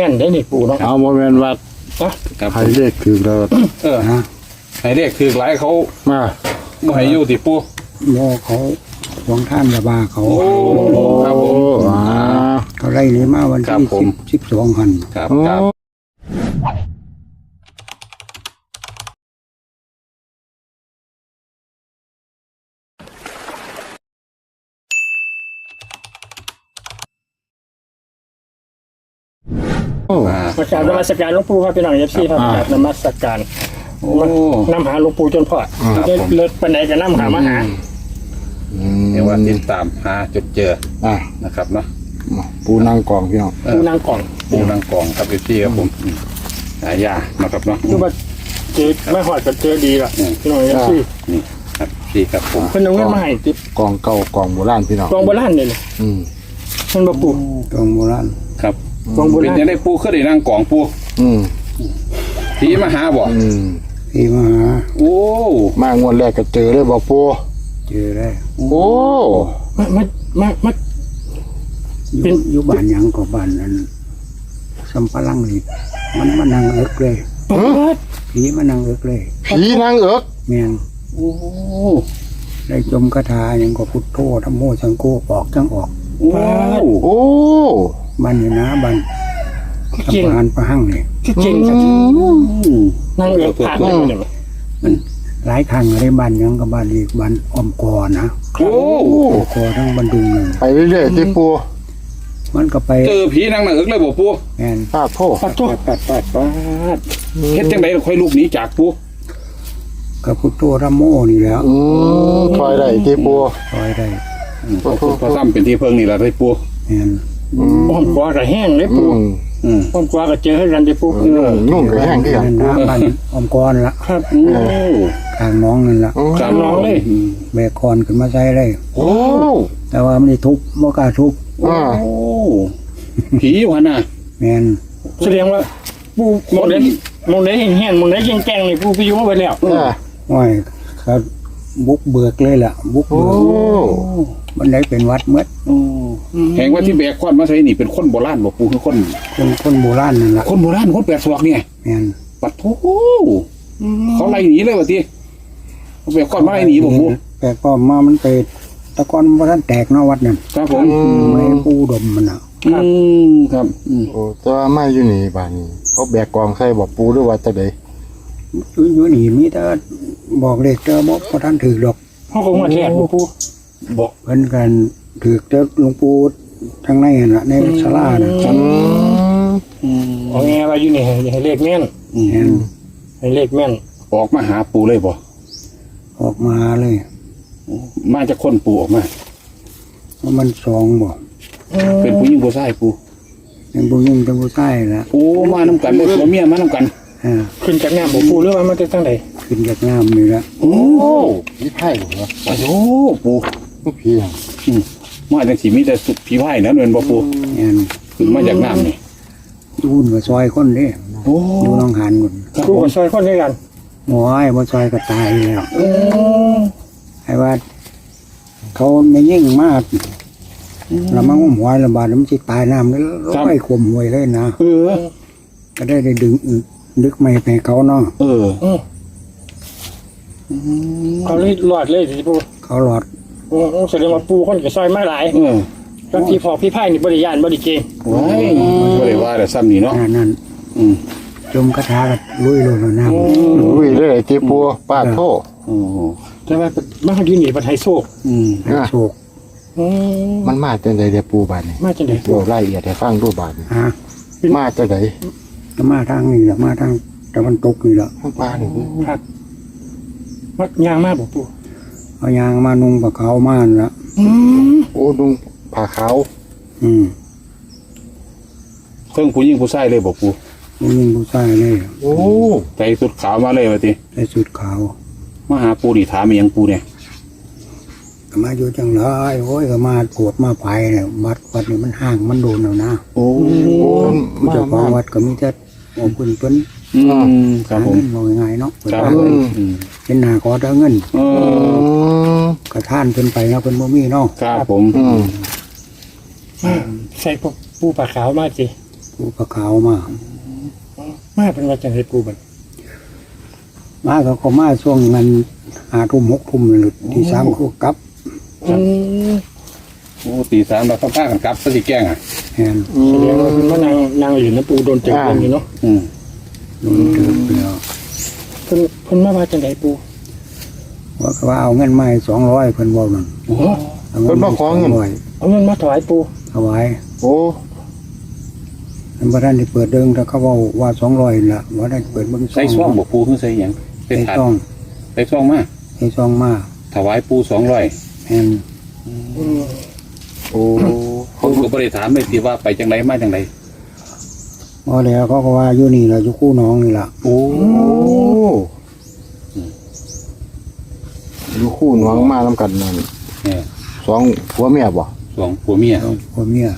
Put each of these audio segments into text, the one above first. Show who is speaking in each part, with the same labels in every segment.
Speaker 1: ม่นได้นี่ปูเนาะ
Speaker 2: เอาโมเมนต์วัด
Speaker 3: ครับ
Speaker 2: ให้เลขคือเรา
Speaker 3: ฮะให้เลขคือหลายเขา
Speaker 2: มา
Speaker 3: บ่ให้อยู่ติปู
Speaker 4: โมเขาหวงท่านยาบาเขา
Speaker 3: โอ้ครับผม
Speaker 4: เขาไล่นี้มาวัน
Speaker 3: ครับ
Speaker 4: ที่
Speaker 3: ผม
Speaker 4: 12หัน
Speaker 3: ครับครับ
Speaker 1: ประกาศนมัสการหลวงปู่ครับพี่น้องFCครับประกาศนมัสการ
Speaker 3: โอ้
Speaker 1: นำหาหลวงปู่จนพอดเลิศปานใดก็นำหามาหา
Speaker 3: เดี๋ยวว่าติดตามหาจดเจอ
Speaker 2: อ่ะ
Speaker 3: นะครับเนาะ
Speaker 2: ปูนั่งกองพี่น้อง
Speaker 1: ปูนางกล่อง
Speaker 3: ปูนางกองครับพี่ครับผมหายานะครับเนาะ
Speaker 1: คือว่าเจอไม่หอดก็เจอดีละพี่น้องFC
Speaker 3: นี่ครับพี่ครับผม
Speaker 1: เพิ่นเอาเงินมาให้ติด
Speaker 2: กองเก่ากองโบราณพี่น้อง
Speaker 1: กองโบราณนี่เลย
Speaker 2: อืม
Speaker 1: มันบ่ปู
Speaker 4: ตรงโบราณ
Speaker 3: ครับ
Speaker 1: กองโบ
Speaker 3: เป็น
Speaker 1: ราณ
Speaker 3: ยังได้ปูขึ้นได้นางกองปู
Speaker 2: อืม
Speaker 3: ผีมาหาบ่
Speaker 2: อืม
Speaker 4: ที่มาหา
Speaker 3: โอ้
Speaker 2: มางวดแรกก็เจอเลยบอกปู
Speaker 4: เจอได้
Speaker 2: โอ้
Speaker 1: มา เป็น
Speaker 4: อยู่บ้านหยังกับบ้านนั้นสัมปะหลังนี่มันมานั่งเอิกเลย
Speaker 1: เปิด
Speaker 4: ผีมานั่งเอิกเลย
Speaker 2: ผีนางเอิก
Speaker 4: แม่น
Speaker 3: โอ้
Speaker 4: ได้จมคาถาหยังก็พุทโธธรรมโมสังโฆออกจังออก
Speaker 3: โอ้
Speaker 2: โอ้
Speaker 4: บ้านนี่นะบ้าน
Speaker 1: จริง
Speaker 4: สะพานประหังนี่
Speaker 1: คือจริงครับนั่งเอือกผ่านเลยเนี่ย
Speaker 4: มันหลายครั้งเลยบ้านหยังกับบ้านอีกบ้านออมกอนะ
Speaker 3: โอ้
Speaker 4: ออมกอทั้งบันดุงนึง
Speaker 2: ไปเรื่อยๆที่ปู
Speaker 4: มันก็ไป
Speaker 3: เจอผีนางเอิกเลยบ่ปู
Speaker 4: แม่น
Speaker 2: ปาดโทษ
Speaker 1: ปัดตัว
Speaker 3: ปัดเฮ็ดจังได๋ค่อยลูกหนีจากปู
Speaker 4: กับพุทโธธรรมโมนี่แหล้ว
Speaker 2: คอยได้ที่ปู
Speaker 4: ซอยได้
Speaker 3: พอซ้ำเป็นที่เพิ่งนี่ล่ะได้ปู
Speaker 4: แม่น
Speaker 1: ป้อมกว่าก็แห้งเลย
Speaker 2: อื
Speaker 1: ปู
Speaker 2: ม
Speaker 1: ป้อมกว่าก็เจอให้กันได้ปู
Speaker 2: นุ่งกับแห้งที่กัน
Speaker 4: นั่นนะบ้านออมกอนละ
Speaker 1: ครับ
Speaker 3: โอ้
Speaker 4: ทางน้องนั่นละ
Speaker 1: ตามน้องเลย
Speaker 4: แบกคอนขึ้นมาใช้เลย
Speaker 2: โอ้
Speaker 4: แต่ว่ามันได้ทุบบ่กล้าทุบ
Speaker 2: อ่า
Speaker 3: โอ้ผีอยู่หั่นน่ะ
Speaker 4: แม่น
Speaker 1: แสดงว่าปูมองได้แห้งมองได้แจ้งๆนี่ปูไปอยู่มาไปแล้ว
Speaker 2: อ่า
Speaker 4: โอ้ยเขาบุกเบิกเลยล่ะ บุก
Speaker 2: โอ้
Speaker 4: เบิกมันได้เป็นวัดเมื่อ
Speaker 3: แห่งว่าที่แบกควันมาใส่นี่เป็นคนโบราณบ่ปูคือคน
Speaker 4: คนโบราณนั่นละ
Speaker 3: คนโบราณคนแปดศอกเนี่ย
Speaker 4: แม่น
Speaker 3: ปัดโธเขาไล่หนีเลยว่าติเขาแบกควันมาไล่หนีบ่ปู
Speaker 4: แต่ก็มามันไปตะกอนบ่ทันแตกเนาะวัดนั่น
Speaker 3: ครับผม
Speaker 4: ไม่ปูดมมันน่ะ
Speaker 3: ครับ
Speaker 2: โอ้แต่ว่าไม่อยู่นี่บ้านนี้เขาแบกกองใส่บอกปูหรือว่าจะได
Speaker 4: อยู่นี่มีแต่บอกเลขเจ้าบ่ทันถือดอก
Speaker 1: เขาคงมาแทนปู
Speaker 3: บอก
Speaker 4: เพิ่นกันถือเจ้าหลวงปู่ทางในนั่นล่ะในศาลาน่ะ
Speaker 1: เอาไงว่าอยู่นี่ให้เลขแม่น
Speaker 4: แม่น
Speaker 1: ให้เลขแม่น
Speaker 3: ออกมาหาปูเลยบ่
Speaker 4: ออกมาเลย
Speaker 3: มาจากคนปูออกมา
Speaker 4: เพราะมันสองบ่
Speaker 3: เป็นผู้หญิงผู้ชายปู
Speaker 4: ยังบ่ยุ่งจังบ่ใต้ละ
Speaker 3: โอ้มานํกันเลยผัวเมียมานํกัน
Speaker 1: ขึ้นจากน้ำบ่ปูหรือว่ามาจากทางใด
Speaker 4: ขึ้นจากน้ำนี่ละ
Speaker 3: โอ้
Speaker 2: ผีไพ่เหรอ
Speaker 3: โอ้ปู
Speaker 2: ผีอ่ะ
Speaker 3: มาจังสิมีแต่สุผีไผ่นะเนินบ่ปู
Speaker 4: แม่น
Speaker 3: ขึ้นมาจากน้ำนี่
Speaker 4: ยุ่นกับซอยคนเด้
Speaker 3: โอ้
Speaker 4: อยู่น้องหานคน
Speaker 3: ครับ
Speaker 1: ปู
Speaker 3: ผม
Speaker 1: กับซอยคนด้วยกัน
Speaker 4: โอ้ยบ่ซอยก็ตายแล้วไอ้ว่าเขาไม่ยิ่งมากแล้วมันหัวระบาดแล้วมันสิตายน้ำแล้วร้อยขมหวยเลยนะ
Speaker 3: เออ
Speaker 4: ก็ได้ดึงนึกไม่ไปเขาเนาะ
Speaker 3: เออ
Speaker 1: เขาเลยรอดเลยสิปู
Speaker 4: เขาหลอด
Speaker 1: แสดงว่าปูคนกับซอยมาหลาย
Speaker 3: เออ
Speaker 1: บางทีพอพี่ไพ่นี่บริยานบริเกง
Speaker 3: ว้ายบ่ได้ว่าแต่ซ้ำนี่เนาะ
Speaker 4: นั่น
Speaker 3: อืม
Speaker 4: จมกระทากับลุยลงน้ำ
Speaker 2: อุ้ยเลยที่ปูปาดโทษ
Speaker 3: โอ้
Speaker 1: แต่ว่ามาอยู่นี่ปันไฮโซก
Speaker 3: อืม
Speaker 4: โชค
Speaker 2: มันมาจังไดเดี๋ยวปูบ้านนี่
Speaker 1: มาจังได๋
Speaker 2: ปูรายละเอียดให้ฟังดูบ้านนี่
Speaker 4: ฮะ
Speaker 2: มาจังได
Speaker 4: ก็มาทางนี้แหละมาทางตะวันตกนี่แหละ
Speaker 2: ข้างปลานี่
Speaker 1: ครับวัดยางมากบ่ปู
Speaker 4: เอายางมานุ่งปะเขามานั่นละ
Speaker 2: โอ้ดุงผ่าขาว
Speaker 3: เครื่องผู้หญิงผู้ชายเลยบ่ปู
Speaker 4: ผู้หญิงผู้ชายเลย
Speaker 2: โอ้
Speaker 3: ใส่สุดขาวมาเลยว่าติ
Speaker 4: ใส่สุดขาว
Speaker 3: มาหาปูนี่ถามอีหยังปูเนี่ย
Speaker 4: ก็มาอยู่จังเลยโอ้ยก็มาปวดมาไปเนี่ยวัดนี่มันห่างมันโดนแล้วนะ
Speaker 3: โอ้
Speaker 2: โอ้
Speaker 4: เจ้าของวัดก็มีแต่เอาเพิ่น
Speaker 3: ครับ
Speaker 4: หา
Speaker 3: ผม
Speaker 4: เงินบอกง่ายๆเนาะ
Speaker 3: ครับอืม
Speaker 4: เป็นหน้าขอแต่เงิน
Speaker 3: เออ
Speaker 4: ก็ท่านเพิ่นไปเนาะเพิ่นบ่มีเนาะ
Speaker 3: ครับผม
Speaker 1: ใส่ปูปลาขาวมาสิ
Speaker 4: ผปูปลาขาวมา
Speaker 1: มาเป็นว่าจังไดปูบัด
Speaker 4: มาก็มาช่วงนั้น5 ทุ่ม 6 ทุ่มหลุดที่3ก็กลับ
Speaker 1: อืม
Speaker 3: โอ้ตี3เราต้องพากันกลับซะสิแกล้งอ่ะ
Speaker 4: แม่น
Speaker 1: แสดงว่าเพิ่นมานั่งอยู่นะปูโดนจับอยู่เนาะ
Speaker 4: โดนเติบแล้ว
Speaker 1: เพิ่นมาว่าจังไดปู
Speaker 4: ว่าเอาเงินมาให้200เพิ่นบอกนั่น
Speaker 1: โอ้
Speaker 4: เอาเงินมาขอเงิน
Speaker 1: เอาเงินมาถวายปู
Speaker 4: ถวาย
Speaker 2: โอ้
Speaker 4: มันบ่ทันได้เปิดเดิงแต่เขาเว้าว่า200ล่ะบ่ได้เปิดเบิ่ง
Speaker 3: ใส่ซ่องบ่ปูคือใส่หยังใส่
Speaker 4: ใส่
Speaker 3: ถาด
Speaker 4: ซอง
Speaker 3: ใส่ซ่องมา
Speaker 4: ใส่ซองมา
Speaker 3: ถวายปู200
Speaker 4: แม่น
Speaker 2: โอ้
Speaker 3: ผมก็บ่ได้ถามเลยสิว่าไปจังไดมาจังได
Speaker 4: บ่แล้วเขาก็ว่าอยู่นี่ล่ะอยู่คู่น้องนี่ล่ะ
Speaker 3: โอ้
Speaker 2: โอ้อยู่คู่น้องมานํกันนั่น
Speaker 3: เนี่ย
Speaker 2: 2ผัวเมียบ่
Speaker 3: สองผัวเมีย
Speaker 4: พ่อเมีย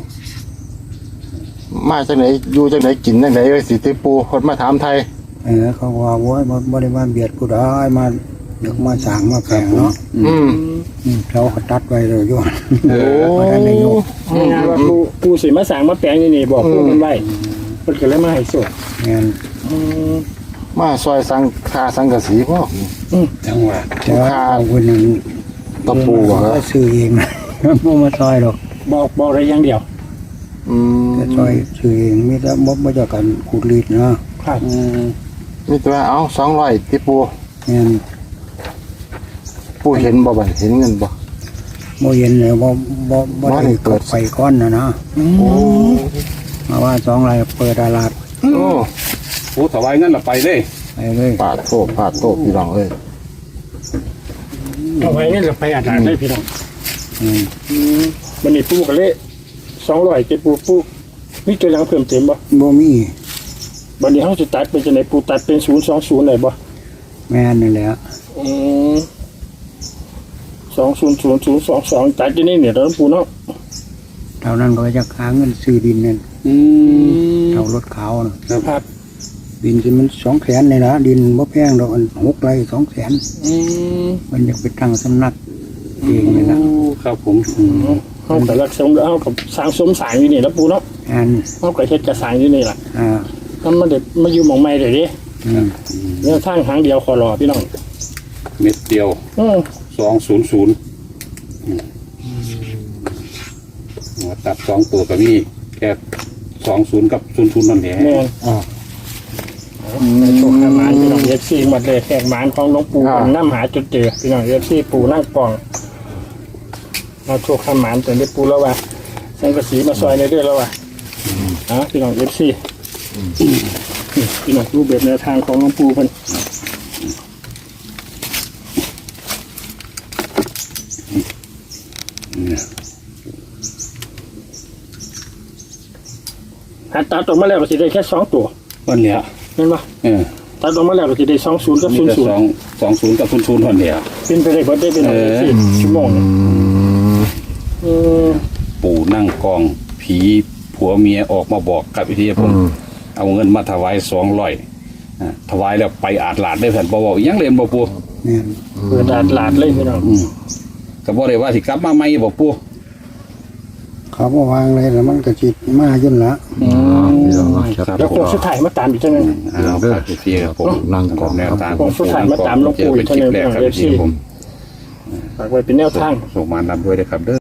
Speaker 2: มาจังไหนอยู่จังไหนกินจังไหนสิติปูคนมาถามไทย
Speaker 4: เขาก็ว่าโว้ยบ่ได้มาเบียดผู้ใดมาเด็กมาสร้างมาแปลงเนาะ เราก็ตัดไว้เลยอยู่
Speaker 3: เออ
Speaker 4: บ่ทันได้ยก
Speaker 1: งานว่าปูสิมาสร้างมาแปลงนี่บอกปูมันไว้เพิ่นก็เลยมาให้สวด
Speaker 4: แม่น
Speaker 2: มาซอยสังคาสังกะสีพ่อ
Speaker 3: จังหวะ
Speaker 4: แต่ว่าเอาคนนึง
Speaker 2: ตะปูบ่ค
Speaker 4: ก็
Speaker 2: รับ
Speaker 4: ซื้อเองบ่มาซอยหรอก
Speaker 1: บอกได้อย่างเดียว
Speaker 4: แต่ซอยซื้อเองมีแต่บ่จะกันขูดรีดนะครับ
Speaker 2: มีแต่ว่าเอา200ติปู
Speaker 4: แม่น
Speaker 2: ปูเห็นบ่บัดเห็นเงินบ่
Speaker 4: บ่เย็นเลยบ่
Speaker 2: บ่
Speaker 4: ได้
Speaker 2: ได้เปิ
Speaker 4: เปิ
Speaker 2: ด
Speaker 4: ดไฟก้อนนะ
Speaker 2: โอ้
Speaker 4: มาว่า2รายเปิดตลาด
Speaker 2: โอ้
Speaker 3: โอ้ถวายเงินเราไปเลย
Speaker 4: ไปเลย
Speaker 2: ปาดโตพี่น้องเอ้ย
Speaker 1: เอาไว้นี่เราไปอาจารย์ได้พี่น้อง
Speaker 4: อืม
Speaker 1: มันนี่ปูก็เลย200เจ็ดปูมีตัวหลังเพิ่มเติมบ่
Speaker 4: บ่มี
Speaker 1: บัดนี้เฮาสิตัดเป็นจังไดปูตัดเป็น020ได้บ่
Speaker 4: แม่นนั่นแหละ
Speaker 1: 200022ตัดอยู่นี่เนี่ยเราปูเนาะ
Speaker 4: เท่านั้นก็จะหาเงินซื้อดินนั่นเท่ารถขาวน่ะ
Speaker 1: ครับ
Speaker 4: ดินสิมัน200,000เลยนะดินบ่แพงดอกอัน6ไร่200,000มันอยากไปตั้งสำนักเองเลยนะ
Speaker 3: ครับผม
Speaker 1: เฮาก็รักสมแล้วเฮาก็สร้างสมสร้างอยู่นี่แล้วปูเนาะ
Speaker 4: อัน
Speaker 1: เฮาก็เฮ็ดกระสร้างอยู่นี่ล่ะ
Speaker 4: อ่า
Speaker 1: มันมาเด็ดมาอยู่หม่องใหม่เด้เด้
Speaker 4: อืม
Speaker 1: เนี่ยทางหางเดียวขอรอพี่น้อง
Speaker 3: เม็ดเดียว 200ตัด2ตัวก็มีแค่20กับ00นั่นแหละ
Speaker 1: แม่นในโชคหมานพี่น้อง FC หมดเลยแขกหมานของหลวงปู่กันนำหาจุดเจอพี่น้อง FC ปู่นั่งปองมาโชคหมานจนได้ปู่แล้วว่าสังกะสีมาซอยในเด้อแล้วว่าพี่น้อง FC พี่น้องรูปแบบแนวทางของหลวงปู่เพิ่นหัดตัดออกมาแล้วก็สิได้แค่2ตัว
Speaker 3: วันเหลีย
Speaker 1: เห็นบ่ ตัดออกมาแล้วก็สิได้20กับ
Speaker 3: มีแต่
Speaker 1: 00
Speaker 3: 20กับ00วันเหลีย
Speaker 1: เป็นไปได้บ่ได้เป็นเอาสิชั่วโมงเนี่ย
Speaker 3: ปู่นั่งกองผีผัวเมียออกมาบอกกับวิทยาผมเอาเงินมาถวาย200ถวายแล้วไปอาดหลาดได้แผ่นบอกยังเรียนบ่ปู่
Speaker 4: แม่น
Speaker 1: เปิดหลาดเลยพี่น้อง
Speaker 3: ก็บ่ได้ว่าสิกลับมาใหม่บ่ปู่
Speaker 4: เขาบ่วางเลยแล้วมันก็สิมายุ่นละ
Speaker 2: พี่น้องครับ
Speaker 1: แล้วโคงสุดท้ายมาตามอีกจังนึง
Speaker 3: เอาครับพี่ครับผม
Speaker 2: นั่งกอง
Speaker 3: แนวทาง
Speaker 1: ผมสุดท้ายมาตามหลวงปู่อีก
Speaker 3: เจอเป็นคลิปแรกครับ
Speaker 1: เท่านั้น
Speaker 3: พี่ผม
Speaker 1: ฝากไว้เป็นแนวทาง
Speaker 3: ส่งมานำด้วยนะครับเด้อ